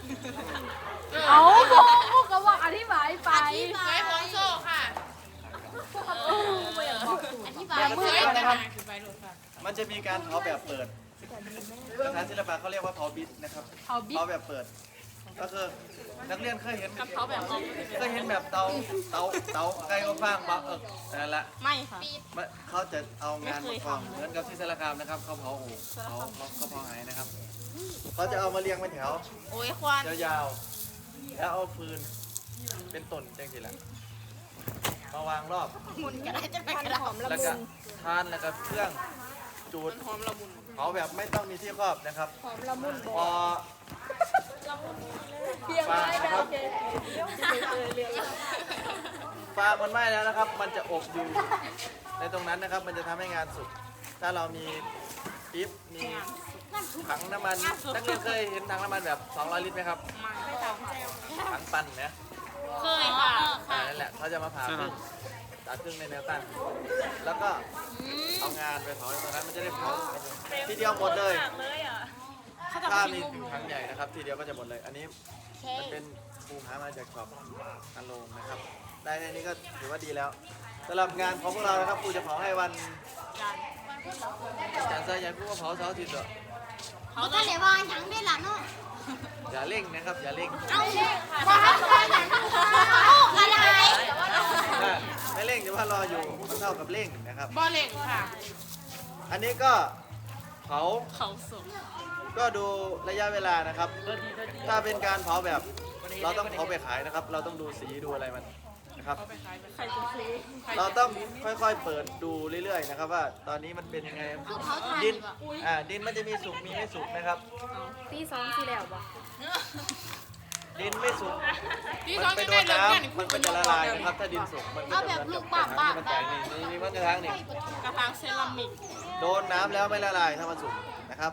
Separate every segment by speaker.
Speaker 1: เอาพวกก็บอกอธิบายไป
Speaker 2: เคยของโซ่ค่ะ
Speaker 3: อธิบาย
Speaker 2: เคยแต่หาคือไปโหลดค่ะ
Speaker 4: มันจะมีการเผาแบบเปิดภาษาศิลปะเขาเรียกว่าเผาบิดนะครับ
Speaker 1: เอาบิ๊ก
Speaker 4: เผาแบบเปิด ก็คือนักเรียนเคยเห็น
Speaker 2: เขาแบบเอา
Speaker 4: เคยเห็นแบบเตาไก่ก็ฟางบ้านั่นแหละ
Speaker 2: ไม่ค่ะ
Speaker 4: เขาจะเอางานมาทำเหมือนกับที่สารคามนะครับเขาเผาโอ่งเขาเผาไหนะครับเขาจะเอามาเรียงเป็นแถว
Speaker 2: โอ้ยควัน
Speaker 4: ยาวๆแล้วเอาฟืนเป็นต้นจังสิแหละมาวางรอบ
Speaker 2: มุนก็ได้จะไปกระดาษ
Speaker 4: แล้วก็ทานแล้วก็เครื่องจูด
Speaker 2: หอมละมุน
Speaker 4: เผาแบบไม่ต้องมีที่ครอบนะครับ
Speaker 1: หอมละมุน
Speaker 4: พอ
Speaker 1: เพียงไรนะโอเค
Speaker 4: ฟางมันไหม้แล้วนะครับ มันจะอบอยู่ในตรงนั้นนะครับ มันจะทำให้งานสุกถ้าเรามีปิ๊บมีถังน้ำมันนักเรียนเคยเห็นถังน้ำมันแบบ200 ลิตรไหมครับ
Speaker 2: ไม่ท
Speaker 4: ถังปั่นนะ
Speaker 2: ำเคยค่ะ
Speaker 4: นั่นแหละเขาจะมาผ่าครึ่งตัดครึ่งในแนวตั้งแล้วก็เอางานไปเผาในตรงนั้นมันจะได้เผาทีเดียวหมดเลยถ้ามีถังใหญ่นะครับ ทีเดียวก็จะหมดเลย อันนี้มันเป็นภูมิหามาจากช็อปอันโลงนะครับ ได้แค่นี้ก็ถือว่าดีแล้วสำหรับงานของพวกเรานะครับครูจะเผาให้วันจันทร์เสาร์ยันทร์ผู้ว่าเผาเสาร์อาทิตย์เหรอ
Speaker 3: เขาจะเรียกว่าหยังได้ล่ะเนาะ
Speaker 4: อย่าเร่งนะครับอย่าเร่ง
Speaker 3: เอาว่าให้ใครหยังเอาอะไร
Speaker 4: ถ้าไม่เร่งจะว่ารออยู่มันเท่ากับเร่งนะครับ
Speaker 2: บ่อเล็กค่ะ
Speaker 4: อันนี้ก็เผา
Speaker 2: เขาสุก
Speaker 4: ก็ดูระยะเวลานะครับ ถ้าเป็นการเผาแบบเราต้องเผาไปขายนะครับ เราต้องดูสีดูอะไรมันนะครับ
Speaker 2: ใครจะซื้อ
Speaker 4: เราต้องค่อยๆเปิดดูเรื่อยๆนะครับ ว่าตอนนี้มันเป็นยังไง
Speaker 3: คือเขาทาน
Speaker 4: ดิน
Speaker 3: ดีกว่า
Speaker 4: ดินมันจะมีสุกมีไม่สุกนะครับ
Speaker 1: ตีสองสีแล้วบ่
Speaker 4: ดินไม่สุก
Speaker 2: พี่
Speaker 4: มั
Speaker 2: เขา
Speaker 4: ไป
Speaker 2: จะ
Speaker 4: โด
Speaker 2: ได้
Speaker 4: น
Speaker 2: เลิก
Speaker 4: น้
Speaker 2: งาน
Speaker 4: ำมันก็จะละลายนะครับ ถ้าดินสุกมันก็จะเหมือนกับกระถางที่มันแตกนี่มันกระถางนี่
Speaker 2: กระถางเซรามิก
Speaker 4: โดนน้ำแล้วไม่ละลายถ้ามันสุกนะครับ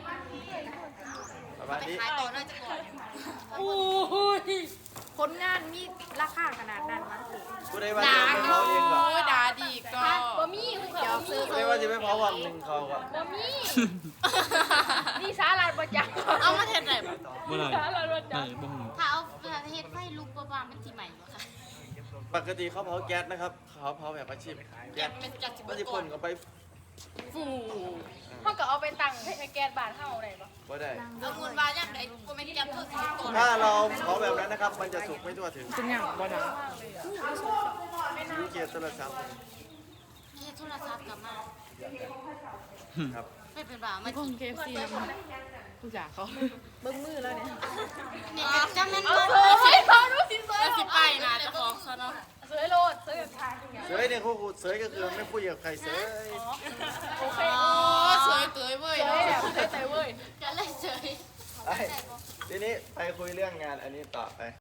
Speaker 4: ประมาณนี้
Speaker 3: ขายต่อน่าจะก่อน
Speaker 2: โอ้ย
Speaker 1: ผลงานมีราคาขนาดนั้นมั้ง
Speaker 4: ผู้ใดว่าจะไปเผาเองก็
Speaker 2: โอ้ยด่าดีก็
Speaker 1: บ่มีคุณเดี๋ยวซื้อ
Speaker 4: ผู้ใดว่าจะไปเผาวันหนึ่งเขาก็
Speaker 1: บ่มีนี่สาลาดบ่จัก
Speaker 2: เอามาเทศไหนบ้าง
Speaker 5: เมื่อไหร่
Speaker 1: สาลาดบ่จัก
Speaker 5: บ่หู
Speaker 3: ถ้าเอาเฮ็ดไฟลุกประมาณมันสิใหม่บ่คะ
Speaker 4: ปกติเขาเผาแก๊สนะครับเขาเผาแบบอาชีพแก๊ส
Speaker 2: เป็นจัดจิบ
Speaker 4: มันจะ
Speaker 2: ก่
Speaker 4: พ่
Speaker 2: อน
Speaker 4: นเข้าไป
Speaker 2: ฟู
Speaker 1: เฮาก็เอาไปตั้งให้แก๊สบ้านเฮาได้บ่
Speaker 4: ก็ได้
Speaker 3: เอามูลว่าอย่างใดก็ไม่จับตัวสิก่อน
Speaker 4: ถ้าเราเผาแบบนั้นนะครับ มันจะสุกไม่ทั่วถึง
Speaker 2: เป็นอย่างบ่ดัง
Speaker 4: วิเกียรติโทรศัพท์
Speaker 3: เฮ็ดโทรศัพท์กลับมา
Speaker 4: ครับ
Speaker 3: ไม่เป็นว่ามัน
Speaker 2: คงเคฟซีนะผู้จ่าเขา
Speaker 1: เบิ่งมือแล้วเนี่ย
Speaker 3: นี่จังนั้น
Speaker 1: เอา
Speaker 3: บ่
Speaker 1: เฮ้ยเขาดูสิสวย
Speaker 2: แล้วสิไปนะจะฟ้องเขาเนาะ
Speaker 1: สวยโลดสวยแบบทางอย่าง
Speaker 4: เสยเนี่ยครูเสยก็คือไม่พูดกับใครเสย
Speaker 1: โอเค
Speaker 2: โอ้สวยเตยเว้ย
Speaker 1: สวยแบบสวยเว้ย
Speaker 3: จะเลยเฉย
Speaker 4: ไปทีนี้ไปคุยเรื่องงานอันนี้ต่อไป